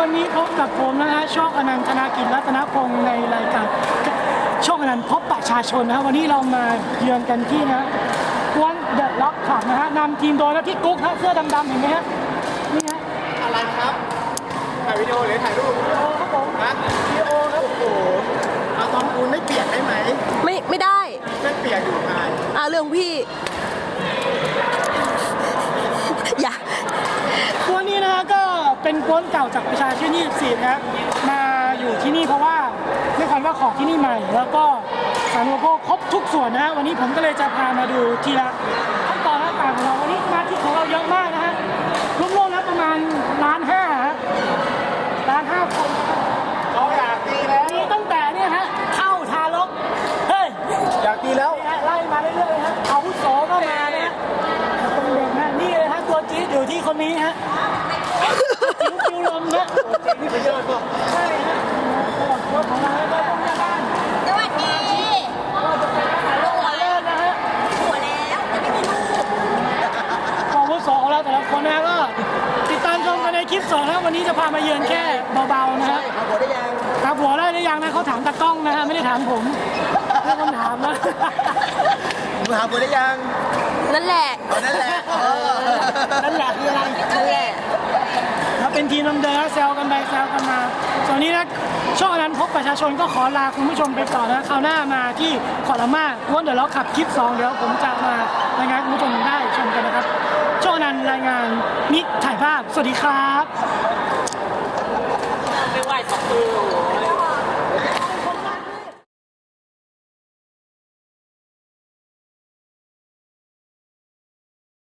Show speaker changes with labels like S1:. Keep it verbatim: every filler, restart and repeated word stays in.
S1: วันนี้พบกับผมนะฮะช่องอนันต์ธนากิจรัตนพงศ์ในรายการช่องอนันต์พบประชาชนนะฮะวันนี้เรามาเยือนกันที่นะกวนเดอะล็อกขับนะฮะนำทีมโดยนะพี่กุ๊กฮะเสื้อดำๆเห็นไหมฮะนี่ฮะ
S2: อะไรครับถ่ายวิดีโอหรือถ่ายรูป
S1: วิดีโอครับผม
S2: ฮะ
S1: วิดีโอครับ
S2: โอ้โหเอาตอนคุณไม่เปียกได้ไหม
S3: ไม่ไม่ได้
S2: ไม่เปียกอยู่ไง
S3: อ่าเรื่องพี่ อย่า
S1: กวนนี้นะฮะก็เป็นกวนเก่าจากประชาชื่นยี่สิบสี่นะฮะมาอยู่ที่นี่เพราะว่าด้วยความว่าของที่นี่ใหม่ แล้วก็สาธารณูปโภคครบทุกส่วนนะฮะวันนี้ผมก็เลยจะพามาดูทีละขั้นตอนต่างๆของเราวันนี้สมาชิกของเราเยอะมากนะฮะรวมๆแล้วประมาณล้านห้าฮะล้านห้าคน
S2: เราอยากดีแล้ว
S1: มีตั้งแต่เนี่ยฮะเข้าทารกเฮ้ย
S2: อยากดีแล้ว
S1: นี่ฮะไล่มาเรื่อยๆเลยฮะอาวุโสก็มานะฮะเป็นเด็กนะนี่เลยฮะตัวจี๊ดอยู่ที่คนนี้ฮะจิ๋วจิ๋วลมนะ
S2: นี่ไปเยอะก็
S1: ใช่ฮะตัวของเราแล้วก็ต้องแม่บ้าน
S3: สวัสดี
S1: ก็จะเป็นอาหารโรงแรมนะฮะ
S3: หัวแล้วแต่ไม่มีลูก
S1: อาวุโสของเราแต่ละคนนะฮะก็ติดตามชมกันในคลิปสองนะวันนี้จะพามาเยือนแค่เบาๆนะฮะ
S2: เอาหัวได้ยัง
S1: ถามหัวได้หรือยังนะเขาถามตากล้องนะฮะไม่ได้ถามผมไม่คนถามนะ
S2: ผมหาหัวได้ยัง
S3: นั่นแหละ
S2: เอานั่นแหละเออ
S1: นั่นแหละคืออะไร
S3: นั่นแหละ
S1: ถ้าเป็นทีมลำเดินแซวกันไปแซวกันมาส่วนนี้นะช่องอนันต์พบประชาชนก็ขอลาคุณผู้ชมไปก่อนนะคราวหน้ามาที่ขอละมาวนเดี๋ยวเราขับคลิปสองเดี๋ยวผมจะมารายงานคุณผู้ชมได้ชมกันนะครับช่องอนันต์รายงานนิกถ่ายภาพสวัสดีครับ
S3: ไม่ไหวสองมือ